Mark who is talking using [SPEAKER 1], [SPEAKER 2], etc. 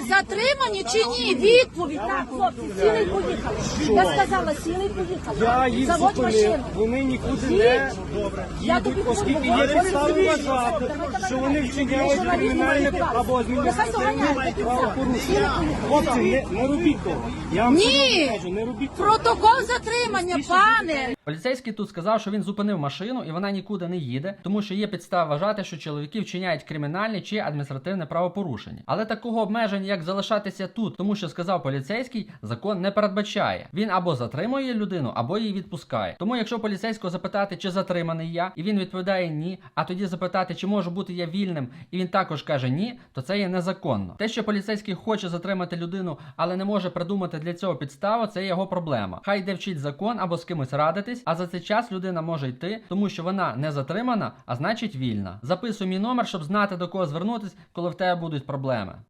[SPEAKER 1] затримані чи ні? Відповідь, так, хлопці, сіли і поїхали. Я сказала, сіли і поїхали.
[SPEAKER 2] Я їх
[SPEAKER 1] Заводь
[SPEAKER 2] зупинив,
[SPEAKER 1] машину.
[SPEAKER 2] вони нікуди не
[SPEAKER 1] Я тобі
[SPEAKER 2] їдуть, оскільки
[SPEAKER 1] говорю,
[SPEAKER 2] є підстави вважати,
[SPEAKER 1] давай,
[SPEAKER 2] що вони вчиняють
[SPEAKER 1] давай,
[SPEAKER 2] кримінальне
[SPEAKER 1] давай,
[SPEAKER 2] або
[SPEAKER 1] нехай доганяють
[SPEAKER 2] адміністративне
[SPEAKER 1] до кінця.
[SPEAKER 2] правопорушення. Хлопці, не робіть того. Я вам
[SPEAKER 1] Ні!
[SPEAKER 2] серйозно кажу, не робіть того.
[SPEAKER 1] Протокол затримання, пане.
[SPEAKER 3] Поліцейський тут сказав, що він зупинив машину і вона нікуди не їде, тому що є підстава вважати, що чоловіки вчиняють кримінальне чи адміністративне правопорушення. Але такого обмеження, як залишатися тут, тому що сказав поліцейський, закон не передбачає. Він або затримує людину, або її відпускає. Тому якщо поліцейського запитати, чи затриманий я, і він відповідає ні, а тоді запитати, чи можу бути я вільним, і він також каже ні, то це є незаконно. Те, що поліцейський хоче затримати людину, але не може придумати для цього підставу, це його проблема. Хай йде вчить закон або з кимось радитись, а за цей час людина може йти, тому що вона не затримана, а значить вільна. Записуй мій номер, щоб знати, до кого звернутись, коли в тебе будуть проблеми.